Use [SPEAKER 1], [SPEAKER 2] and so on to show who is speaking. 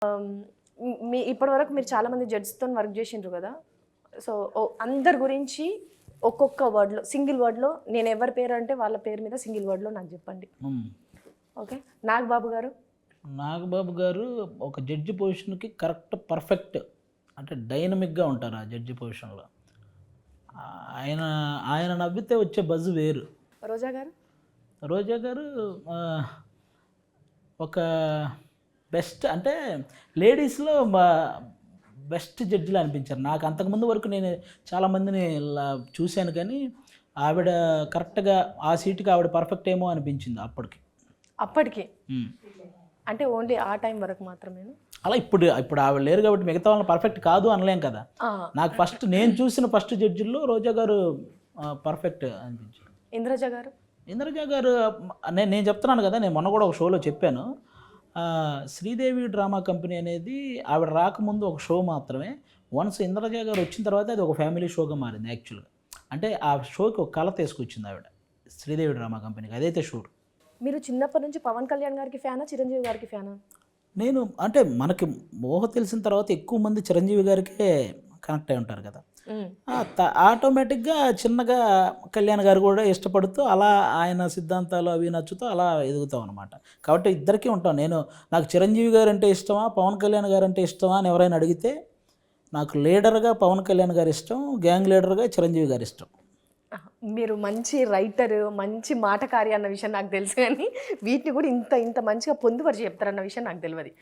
[SPEAKER 1] మీ ఇప్పటివరకు మీరు చాలామంది జడ్జ్తో వర్క్ చేసిండ్రు కదా. సో అందరి గురించి ఒక్కొక్క వర్డ్లో, సింగిల్ వర్డ్లో, నేను ఎవరి పేరు అంటే వాళ్ళ పేరు మీద సింగిల్ వర్డ్లో నాకు చెప్పండి. ఓకే, నాగబాబు గారు.
[SPEAKER 2] నాగబాబు గారు ఒక జడ్జి పొజిషన్కి కరెక్ట్ పర్ఫెక్ట్, అంటే డైనమిక్గా ఉంటారు ఆ జడ్జి పొజిషన్లో. ఆయన ఆయన నవ్వితే వచ్చే బజ్ వేరు.
[SPEAKER 1] రోజా గారు.
[SPEAKER 2] రోజా గారు ఒక బెస్ట్, అంటే లేడీస్లో బెస్ట్ జడ్జిలు అనిపించారు నాకు. అంతకుముందు వరకు నేను చాలామందిని చూశాను, కానీ ఆవిడ కరెక్ట్గా ఆ సీటుకి ఆవిడ పర్ఫెక్ట్ ఏమో అనిపించింది అప్పటికి.
[SPEAKER 1] అంటే ఓన్లీ ఆ టైం వరకు మాత్రమే.
[SPEAKER 2] అలా ఇప్పుడు ఆవిడ లేరు కాబట్టి మిగతా వాళ్ళని పర్ఫెక్ట్ కాదు అనలేం కదా. నాకు నేను చూసిన ఫస్ట్ జడ్జిల్లో రోజా గారు పర్ఫెక్ట్ అనిపించారు. ఇంద్రజ గారు నేను చెప్తున్నాను కదా, నేను మొన్న కూడా ఒక షోలో చెప్పాను. శ్రీదేవి డ్రామా కంపెనీ అనేది ఆవిడ రాకముందు ఒక షో మాత్రమే. వన్స్ ఇంద్రజ గారు వచ్చిన తర్వాత అది ఒక ఫ్యామిలీ షోగా మారింది యాక్చువల్గా. అంటే ఆ షోకి ఒక కళ తీసుకొచ్చింది ఆవిడ శ్రీదేవి డ్రామా కంపెనీకి, అదైతే షూర్.
[SPEAKER 1] మీరు చిన్నప్పటి నుంచి పవన్ కళ్యాణ్ గారికి ఫ్యానా, చిరంజీవి గారికి ఫ్యానా?
[SPEAKER 2] నేను అంటే మనకి మోహ తెలిసిన తర్వాత ఎక్కువ మంది చిరంజీవి గారికే కనెక్ట్ అయి ఉంటారు కదా. ఆటోమేటిక్గా చిన్నగా కళ్యాణ్ గారు కూడా ఇష్టపడుతూ అలా ఆయన సిద్ధాంతాలు అవి నచ్చుతూ అలా ఎదుగుతాం అనమాట. కాబట్టి ఇద్దరికీ ఉంటాం. నాకు చిరంజీవి గారు అంటే ఇష్టమా, పవన్ కళ్యాణ్ గారు అంటే ఇష్టమా అని ఎవరైనా అడిగితే నాకు లీడర్గా పవన్ కళ్యాణ్ గారు ఇష్టం, గ్యాంగ్ లీడర్గా చిరంజీవి గారు ఇష్టం.
[SPEAKER 1] మీరు మంచి రైటర్, మంచి మాటకారి అన్న విషయం నాకు తెలుసు, కానీ వీటిని కూడా ఇంత మంచిగా పొందుపరిచి చెప్తారన్న విషయం నాకు తెలియదు.